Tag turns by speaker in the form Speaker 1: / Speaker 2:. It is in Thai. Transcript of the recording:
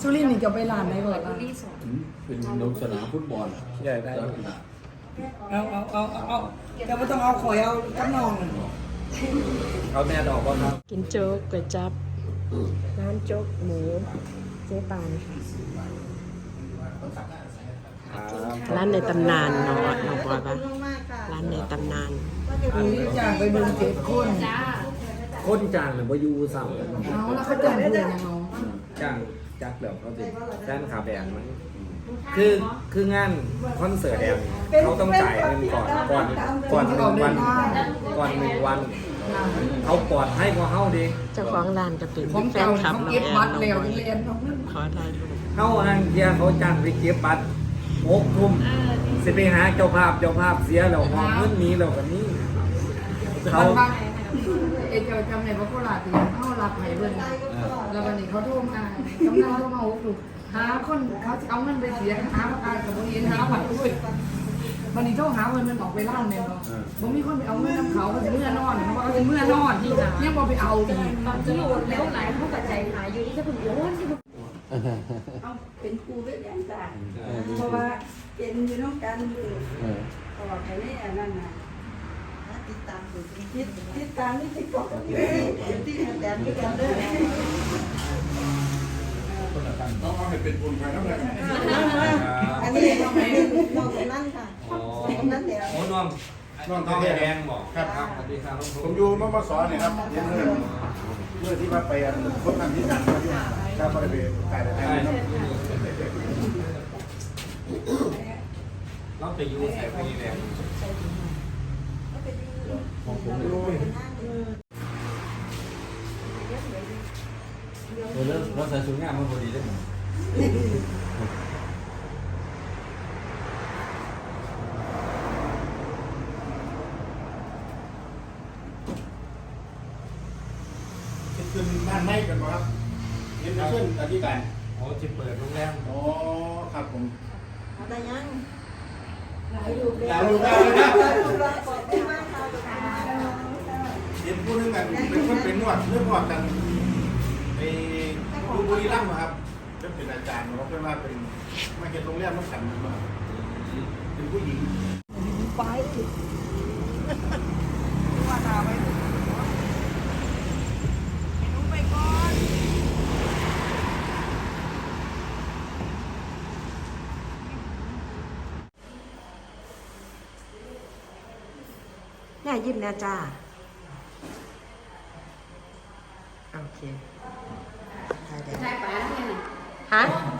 Speaker 1: สุรินทร์นี่จะไปร้านไหนก่อนล่ะ
Speaker 2: เป็นลงสนามฟุตบอลใหญ่ได้
Speaker 1: เอาแต่ไม่ต้องเอาข่อยเอากำนอง
Speaker 2: เอาแน่ดอกก็ครับ
Speaker 3: กินโจ๊กก๋วยจั๊บร้านโจ๊กหมูเจ๊ปานร้านในตำนานเนาะน้องบอยปะร้านในตำนาน
Speaker 1: นี่จ้างไปเบิ่ง7 คน
Speaker 2: คนจ้างหรือว่ายูสั่ง
Speaker 1: เอาแล้วเขาจ้างเพื่อนยังเอา
Speaker 2: จ้างจักเดี๋ยวเขาจะด้านขาแบนมั้งคืองานคอนเสิร์ตแดงเขาต้องจ่ายเงินก่อน1 วันก่อน1 วันเขาปลอดให้กว่าเฮาดิ
Speaker 3: เจ้าของร้านก็เป็น
Speaker 1: ของ
Speaker 3: แฟ
Speaker 1: เก่าน
Speaker 3: คลับ
Speaker 1: เขา
Speaker 3: น้อง
Speaker 1: เก็บ
Speaker 3: แอน
Speaker 1: บัตร
Speaker 3: น้อง
Speaker 1: แล้ว
Speaker 3: บอย
Speaker 1: เรียนเขา
Speaker 3: ขอถ่ายรูป
Speaker 2: เฮาทางเทียเขาจ้างไปเก็บบัตร6 ทุ่มสิไปหาเจ้าภาพเสียแล้วหอเงินนี้แล้วกันนี้เขา
Speaker 1: เจ้าจำในพระโคราชที่เขารับให้เบิ่งแล้ววันนี้เขาโทรมากำนันโทรมา6 ลูกหาคนเขาจะเอาเงินไปเสียหาประกันกับบ่เห็นหาผัดด้วยวันนี้โทรหาเงินมันออกไปร้านแม่บ่บ่มีคนไปเอาเงินน้ำเขาเขาสิเมื่อนอนเขาบอกเขาสิเมื่อนอนยังบ่ไปเอาอีก
Speaker 4: ตอนที่โอนแล้วหลายเขาปัจจัยหายอยู่ที่จะเป็นโอนที่
Speaker 5: เอาเป็นครูเวทยันจ้าเพราะว่าเป็นอยู่น้องกันอยู่ตลอดไปนี่อันนั้นนะติดตามนี่ติดต่อกันที่แต่ที่กันเด้อ
Speaker 6: ต้องเอาให้เป็นบุญไปแล้วเลย
Speaker 5: อันนี้น้องคนนั้นค่ะคนนั้นเดี๋ยว
Speaker 2: โอ้น้อง
Speaker 6: น้อง
Speaker 2: น้อง
Speaker 6: แด
Speaker 2: แด
Speaker 6: ง
Speaker 2: งบอก
Speaker 6: ครับ
Speaker 2: ครับสวัสดีครับ
Speaker 6: ผมอยู่มมสเนี่ยครับเมื่อที่ว่าไปคนนั้นที่สั่งมาอยู่ถ้าบริเวณขายได้
Speaker 2: เราไปยูใส่ไปแดงเราใส่ชุดงานมันพอดีได้ไหม
Speaker 6: ขึ้นบ้านไม้กันครับเห็นเพื่อนอธิการ
Speaker 2: อ๋อจะเปิดโรงแรม
Speaker 6: อ๋อครับผม
Speaker 5: แต่ยัง
Speaker 6: ดาวลูกได้นะเห็นพูดเรื่องกันเป็นคนเป็นนวดเรื่องนวดกันในดูบุรีรัมย์ครับเป็นอาจารย์เขาเป็นว่าเป็นมาเก็บโรงแรมน้ำขันมาเป็นผู้หญิง
Speaker 1: ไปว่าตาไปรู้ไปก่อน
Speaker 3: แม่ยิ้มนะจ้าโอเคถ่ายได้
Speaker 4: ใช่ป๋าเนี่ย
Speaker 3: ฮะ
Speaker 4: เ